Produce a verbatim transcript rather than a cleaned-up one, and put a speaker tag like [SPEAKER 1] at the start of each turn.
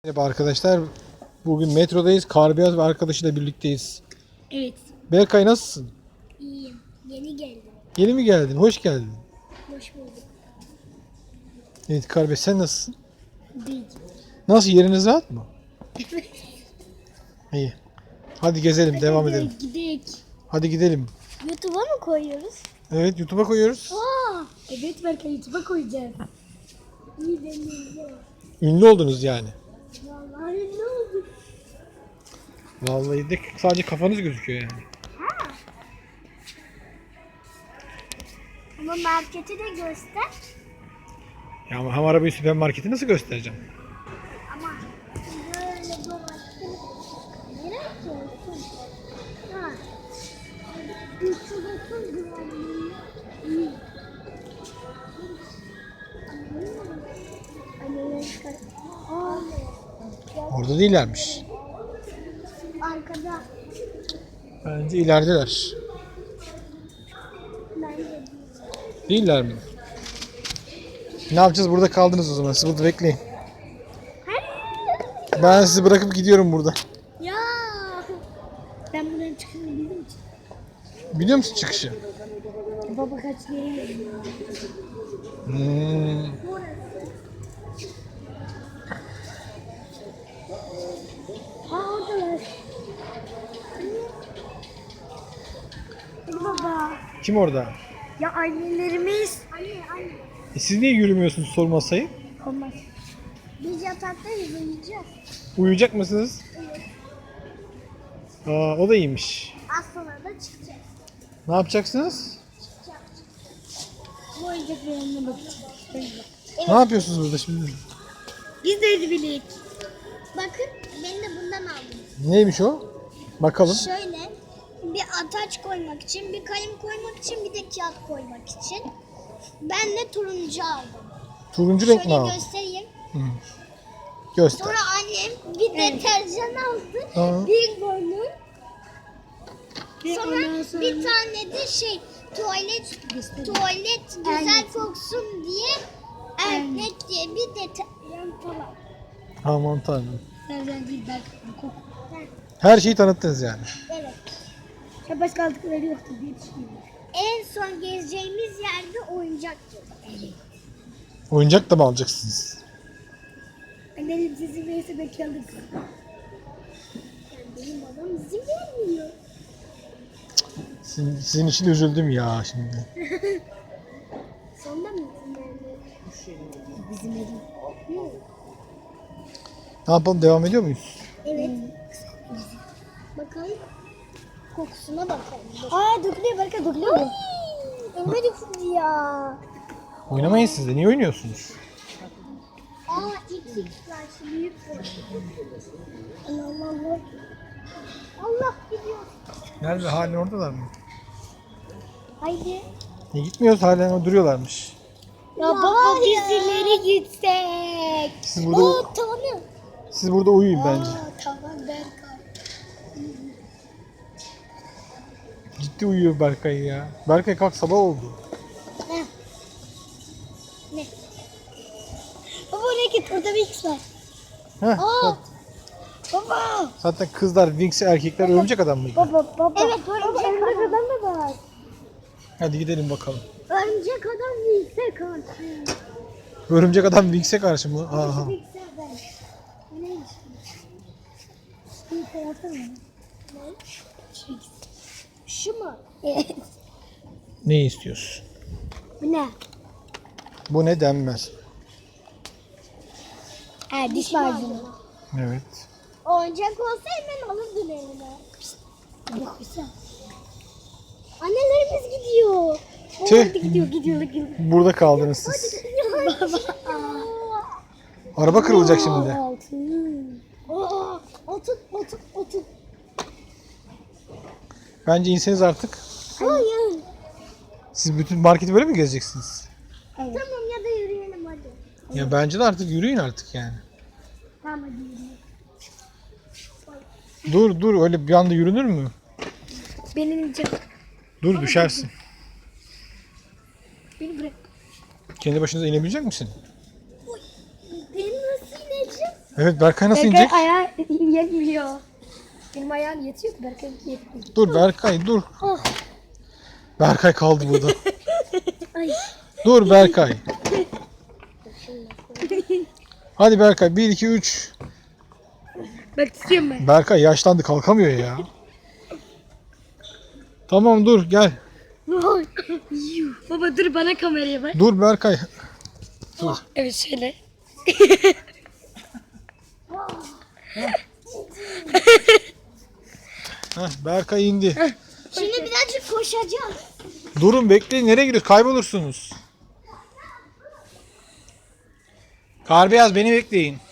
[SPEAKER 1] Merhaba arkadaşlar. Bugün metrodayız. Karbiyaz ve arkadaşıyla birlikteyiz.
[SPEAKER 2] Evet.
[SPEAKER 1] Berkay nasılsın?
[SPEAKER 2] İyiyim. Yeni geldim.
[SPEAKER 1] Yeni mi geldin? Hoş geldin.
[SPEAKER 2] Hoş bulduk.
[SPEAKER 1] Evet Karbiyaz sen nasılsın?
[SPEAKER 2] Değil.
[SPEAKER 1] Nasıl, yeriniz rahat mı? İyi. Hadi gezelim, devam edelim.
[SPEAKER 2] Gidelim.
[SPEAKER 1] Hadi gidelim.
[SPEAKER 2] YouTube'a mı koyuyoruz?
[SPEAKER 1] Evet, YouTube'a koyuyoruz.
[SPEAKER 2] Aa, evet belki YouTube'a koyacağız. İyi deneyim.
[SPEAKER 1] Ünlü oldunuz yani.
[SPEAKER 2] Vallahi ne oldu?
[SPEAKER 1] Vallahi de sadece kafanız gözüküyor yani.
[SPEAKER 2] Ha. Ama marketi de göster.
[SPEAKER 1] Ya ama hem arabayı süpermarketi nasıl göstereceğim?
[SPEAKER 2] Ama böyle dolaştım. Nereye koyuyorsun? Ha. üç yüz otuz gramlığı. İyi. Anne, aa,
[SPEAKER 1] Orada değillermiş.
[SPEAKER 2] arkada.
[SPEAKER 1] Bence ilerideler.
[SPEAKER 2] Bence
[SPEAKER 1] Değiller mi? Ne yapacağız? Burada kaldınız o zaman. Siz burada bekleyin. Ben sizi bırakıp gidiyorum burada.
[SPEAKER 2] ya. Ben buradan çıkmayı bildim ki.
[SPEAKER 1] Biliyor musun çıkışı?
[SPEAKER 2] Baba kaç yere geliyor.
[SPEAKER 1] Hmm.
[SPEAKER 2] Ha oradalar. Baba.
[SPEAKER 1] Kim orada?
[SPEAKER 2] Ya annelerimiz. Anne anne.
[SPEAKER 1] E siz niye yürümüyorsunuz sormasayı?
[SPEAKER 2] Olmaz. Biz yataktayız uyuyacağız.
[SPEAKER 1] Uyuyacak mısınız?
[SPEAKER 2] Evet.
[SPEAKER 1] Aa, o da iyiymiş.
[SPEAKER 2] Az sonra da çıkacağız.
[SPEAKER 1] Ne yapacaksınız?
[SPEAKER 2] Çıkacağız. Bu oyuncaklarına bakacağız. Evet.
[SPEAKER 1] Ne yapıyorsunuz burada şimdi?
[SPEAKER 2] Biz de bilik. Bakın ben de bundan aldım.
[SPEAKER 1] Neymiş o? Bakalım.
[SPEAKER 2] Şöyle bir ataç koymak için, bir kalem koymak için, bir de kağıt koymak için. Ben de turuncu aldım.
[SPEAKER 1] Turuncu renk mi
[SPEAKER 2] Şöyle
[SPEAKER 1] aldın?
[SPEAKER 2] göstereyim.
[SPEAKER 1] Hı. Göster.
[SPEAKER 2] Sonra annem bir deterjan aldı.
[SPEAKER 1] Aa.
[SPEAKER 2] Bir balon. Sonra, bir tane de şey tuvalet tuvalet güzel koksun diye erkek diye bir deterjan falan.
[SPEAKER 1] Aman tanrım.
[SPEAKER 2] Deterjan değil belki koku.
[SPEAKER 1] Her şeyi tanıttınız yani.
[SPEAKER 2] Evet. Ya başka aldıkları yoktu diye düşünüyorum. En son gezeceğimiz yerde oyuncaktı. Evet.
[SPEAKER 1] Oyuncak da mı alacaksınız?
[SPEAKER 2] Annenin sizi neyse belki alırız. Yani benim babam izin vermiyor.
[SPEAKER 1] Sizin, sizin için üzüldüm ya şimdi.
[SPEAKER 2] Sonunda mı izin vermiyor? Bizim evim.
[SPEAKER 1] Ne yapalım, devam ediyor muyuz?
[SPEAKER 2] Evet. Bakalım. Kokusuna bakalım. Aa dökülüyor Berka dökülüyor mu? Önüme döküldü ya.
[SPEAKER 1] Oynamayın siz de. Niye oynuyorsunuz?
[SPEAKER 2] Aa x x var şu büyük bu. Allah Allah. Allah gidiyor.
[SPEAKER 1] Nerede? Halen oradalar mı?
[SPEAKER 2] Haydi.
[SPEAKER 1] Niye gitmiyoruz? Halen o duruyorlarmış.
[SPEAKER 2] Ya, ya baba biz ileri gitsek.
[SPEAKER 1] Siz burada,
[SPEAKER 2] Oo tamam.
[SPEAKER 1] siz burada uyuyun bence.
[SPEAKER 2] Aa tamam Berkay.
[SPEAKER 1] Ciddi uyuyor Berkay ya. Berkay kalk, sabah oldu.
[SPEAKER 2] Ne? Ne? Baba oraya git orada bir X var.
[SPEAKER 1] Heh,
[SPEAKER 2] Aa.
[SPEAKER 1] bak.
[SPEAKER 2] Baba.
[SPEAKER 1] Zaten kızlar Wings, erkekler örümcek adam mıydı?
[SPEAKER 2] Baba baba. Evet örümcek, örümcek adam da var.
[SPEAKER 1] Hadi gidelim bakalım.
[SPEAKER 2] Örümcek adam değilse karşı.
[SPEAKER 1] Örümcek adam Wings'e karşı mı? Aha.
[SPEAKER 2] Değilse ben. Bu neymiş? Bir tarafı mı? Ne? Şu, şu mu? Evet.
[SPEAKER 1] Ne istiyorsun?
[SPEAKER 2] Bu ne?
[SPEAKER 1] Bu ne denmez.
[SPEAKER 2] Ha diş macunu.
[SPEAKER 1] Evet.
[SPEAKER 2] Oyuncak olsa hemen alırdın eline. Yok güzel. Annelerimiz gidiyor.
[SPEAKER 1] Tüh.
[SPEAKER 2] Hadi gidiyor gidiyor gidiyor.
[SPEAKER 1] Burada kaldınız siz. Araba kırılacak şimdi.
[SPEAKER 2] Aa, otur otur otur.
[SPEAKER 1] Bence inseniz artık.
[SPEAKER 2] Hayır.
[SPEAKER 1] Siz bütün marketi böyle mi gezeceksiniz?
[SPEAKER 2] Evet. Tamam ya da yürüyelim hadi.
[SPEAKER 1] Ya bence de artık yürüyün artık yani.
[SPEAKER 2] Tamam hadi yürüyelim.
[SPEAKER 1] Dur dur, öyle bir anda yürünür mü?
[SPEAKER 2] Benim canım.
[SPEAKER 1] Dur, düşersin.
[SPEAKER 2] Beni bırak.
[SPEAKER 1] Kendi başınıza inebilecek misin?
[SPEAKER 2] Ben nasıl ineceğim?
[SPEAKER 1] Evet, Berkay nasıl
[SPEAKER 3] Berkay
[SPEAKER 1] inecek?
[SPEAKER 3] ayağı yetmiyor. Benim ayağım yetiyor ki Berkay yetmiyor.
[SPEAKER 1] Dur Berkay dur.
[SPEAKER 3] Oh.
[SPEAKER 1] Berkay kaldı burada.
[SPEAKER 3] Ay.
[SPEAKER 1] Dur Berkay. Hadi Berkay bir iki üç.
[SPEAKER 3] Bak tutuyorum ben.
[SPEAKER 1] Berkay yaşlandı, kalkamıyor ya. Tamam dur gel.
[SPEAKER 3] Yuh. Baba dur bana kameraya bak.
[SPEAKER 1] Dur Berkay. Dur.
[SPEAKER 3] Evet şöyle.
[SPEAKER 1] Heh, Berkay indi.
[SPEAKER 2] Şimdi birazcık koşacağım.
[SPEAKER 1] Durun bekleyin, nereye gidiyorsunuz? Kaybolursunuz. Kar beyaz, beni bekleyin.